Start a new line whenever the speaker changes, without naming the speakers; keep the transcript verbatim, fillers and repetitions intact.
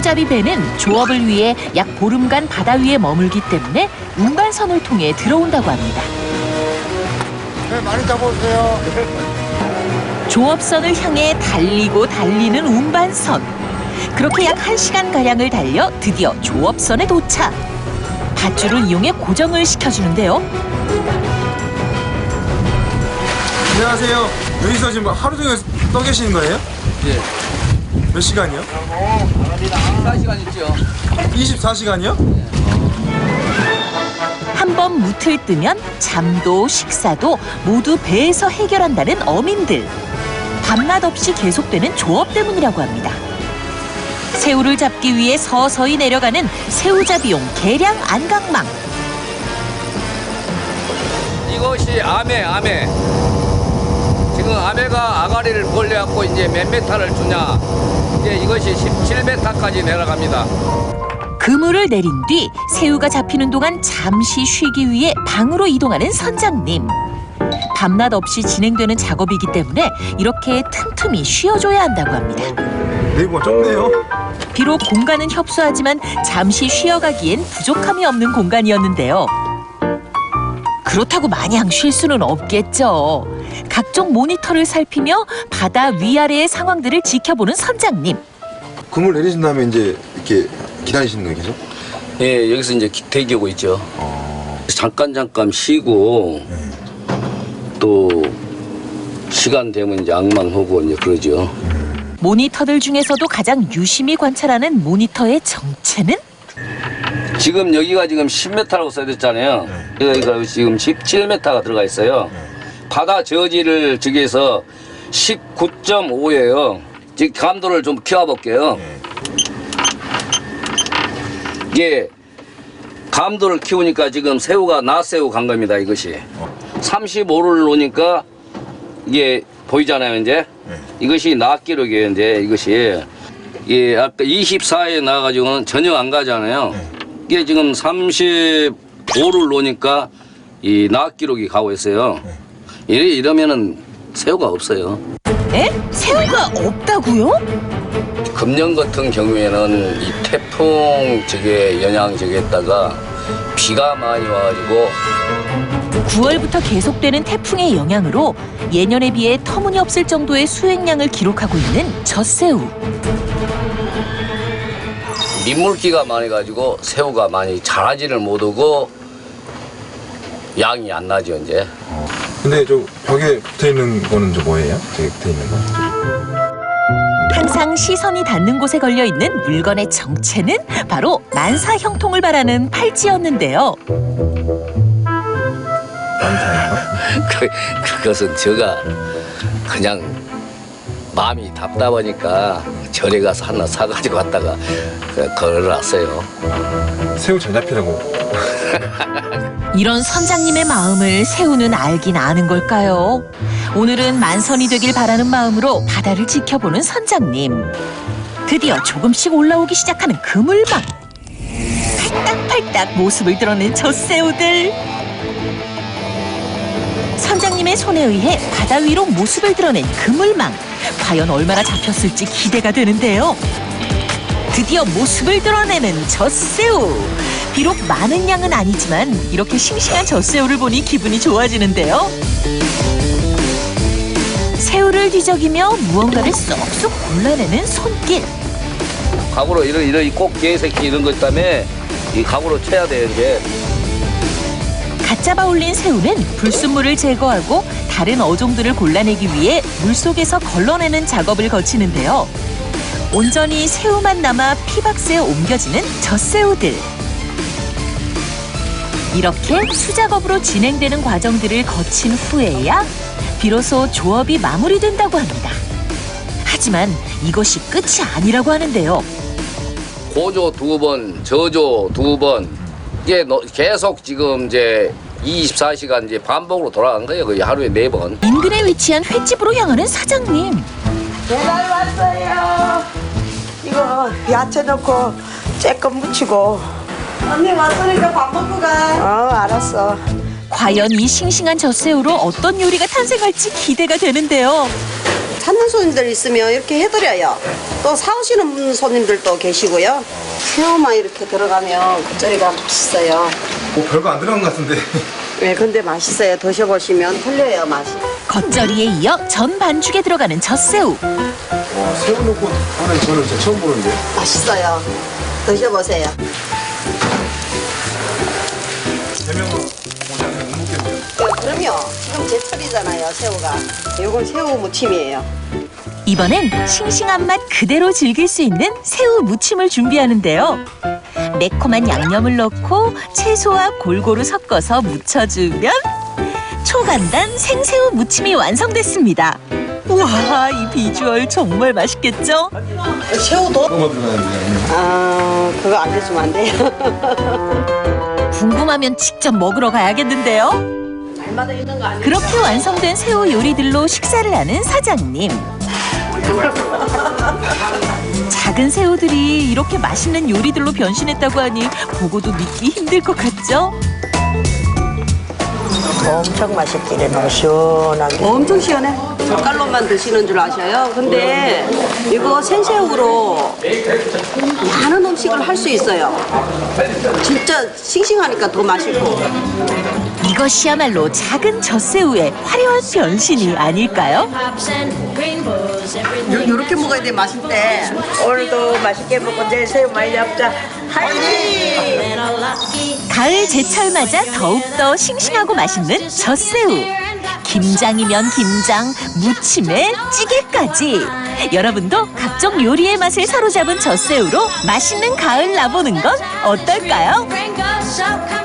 새우잡이 배는 조업을 위해 약 보름간 바다 위에 머물기 때문에 운반선을 통해 들어온다고 합니다.
네, 많이 잡아오세요.
조업선을 향해 달리고 달리는 운반선. 그렇게 약 한 시간가량을 달려 드디어 조업선에 도착. 밧줄을 이용해 고정을 시켜주는데요.
안녕하세요. 여기서 지금 하루 종일 떠 계시는 거예요?
예.
몇 시간이요?
이십사 시간 있죠.
이십사 시간이요?
한 번 무틀 뜨면 잠도 식사도 모두 배에서 해결한다는 어민들. 밤낮 없이 계속되는 조업 때문이라고 합니다. 새우를 잡기 위해 서서히 내려가는 새우잡이용 계량 안강망.
이것이 아메, 아메. 지금 아메가 아가리를 벌려갖고 이제 몇 메타를 주냐. 이제 이것이 십칠 메타까지 내려갑니다.
그물을 내린 뒤 새우가 잡히는 동안 잠시 쉬기 위해 방으로 이동하는 선장님. 밤낮 없이 진행되는 작업이기 때문에 이렇게 틈틈이 쉬어줘야 한다고 합니다.
네이버가 좁네요.
비록 공간은 협소하지만 잠시 쉬어가기엔 부족함이 없는 공간이었는데요. 그렇다고 마냥 쉴 수는 없겠죠. 각종 모니터를 살피며 바다 위아래의 상황들을 지켜보는 선장님.
그물 내리신 다음에 이제 이렇게 기다리시는 거예요, 계속?
예, 여기서 이제 기- 대기하고 있죠.
어...
잠깐 잠깐 쉬고
네.
또 시간 되면 이제 악망하고 이제 그러죠.
모니터들 중에서도 가장 유심히 관찰하는 모니터의 정체는?
지금 여기가 지금 십 메타라고 써졌잖아요. 여기가 지금 십칠 메타가 들어가 있어요. 바다 저지를 즉해서 십구 점 오예요. 지금 감도를 좀 키워볼게요. 이게 감도를 키우니까 지금 새우가 낮새우 간 겁니다. 이것이 삼십오를 놓으니까 이게 보이잖아요. 이제 이것이 낮 기록이에요. 이제 이것이 예, 아까 이십사에 나와가지고는 전혀 안 가잖아요. 이게 지금 삼십오를 놓으니까 이 낮 기록이 가고 있어요. 이래 이러면은 새우가 없어요.
에? 새우가 없다고요?
금년 같은 경우에는 이 태풍 저게 영향 저기에다가 비가 많이 와가지고
구월부터 계속되는 태풍의 영향으로 예년에 비해 터무니없을 정도의 수액량을 기록하고 있는 젖새우.
민물기가 많이 가지고 새우가 많이 자라지를 못하고 양이 안 나죠 이제.
근데 저 벽에 붙어 있는 거는 저 뭐예요? 저기 붙어 있는 거?
항상 시선이 닿는 곳에 걸려있는 물건의 정체는 바로 만사 형통을 바라는 팔찌였는데요.
그, 그것은 제가 그냥 마음이 답답하니까 절에 가서 하나 사가지고 왔다가 그냥 걸어놨어요.
새우 잘 잡히라고.
이런 선장님의 마음을 새우는 알긴 아는 걸까요? 오늘은 만선이 되길 바라는 마음으로 바다를 지켜보는 선장님. 드디어 조금씩 올라오기 시작하는 그물망. 팔딱팔딱 모습을 드러낸 젖새우들. 선장님의 손에 의해 바다 위로 모습을 드러낸 그물망. 과연 얼마나 잡혔을지 기대가 되는데요. 드디어 모습을 드러내는 젖새우. 비록 많은 양은 아니지만 이렇게 싱싱한 젖새우를 보니 기분이 좋아지는데요. 새우를 뒤적이며 무언가를 쏙쏙 골라내는 손길.
각으로 이런 이런 꼭 개새끼 이런 것 때문에 이 각으로 쳐야 돼요 이제.
갓 잡아 올린 새우는 불순물을 제거하고 다른 어종들을 골라내기 위해 물속에서 걸러내는 작업을 거치는데요. 온전히 새우만 남아 피박스에 옮겨지는 젖새우들. 이렇게 수작업으로 진행되는 과정들을 거친 후에야 비로소 조업이 마무리된다고 합니다. 하지만 이것이 끝이 아니라고 하는데요.
고조 두 번, 저조 두 번, 이게 너- 계속 지금 이제 이십사 시간 이제 반복으로 돌아간 거예요. 거의 하루에 네 번.
인근에 위치한 횟집으로 향하는 사장님.
배달 왔어요. 이거 야채 넣고 쬐끔 무치고.
언니 왔으니까 밥 먹고 가.
어, 알았어.
과연 이 싱싱한 젖새우로 어떤 요리가 탄생할지 기대가 되는데요.
찾는 손님들 있으면 이렇게 해드려요. 또 사오시는 손님들도 계시고요. 새우만 이렇게 들어가면 겉절이가 맛있어요.
뭐 별거 안 들어간 것 같은데.
네, 근데 맛있어요. 드셔보시면 틀려요, 맛이.
겉절이에 이어 전 반죽에 들어가는 젖새우.
와, 새우 넣고 하는 저는 진짜 처음 보는데.
맛있어요. 드셔보세요.
대명은 오지 않으면 못 먹겠네요.
네, 그럼요. 지금 제철이잖아요, 새우가. 이건 새우 무침이에요.
이번엔 싱싱한 맛 그대로 즐길 수 있는 새우 무침을 준비하는데요. 매콤한 양념을 넣고 채소와 골고루 섞어서 무쳐주면 초간단 생새우 무침이 완성됐습니다. 우와, 이 비주얼 정말 맛있겠죠?
새우도?
뭐가 들어가는데?
아, 그거 알려주면 안 돼요.
궁금하면 직접 먹으러 가야겠는데요.
날마다 있는 거 아니에요?
그렇게 완성된 새우 요리들로 식사를 하는 사장님. 작은 새우들이 이렇게 맛있는 요리들로 변신했다고 하니 보고도 믿기 힘들 것 같죠?
엄청 맛있기는 너무 시원하게.
엄청 시원해. 젓갈로만 드시는 줄 아셔요. 근데 이거 생새우로 많은 음식을 할 수 있어요. 진짜 싱싱하니까 더 맛있고.
이것이야말로 작은 젖새우의 화려한 변신이 아닐까요?
요, 요렇게 먹어야 돼, 맛있대.
오늘도 맛있게 먹고 내일 새우 많이 잡자. 화이팅!
가을 제철 맞아 더욱더 싱싱하고 맛있는 젖새우. 김장이면 김장, 무침에 찌개까지. 여러분도 각종 요리의 맛을 사로잡은 젖새우로 맛있는 가을 나보는 건 어떨까요?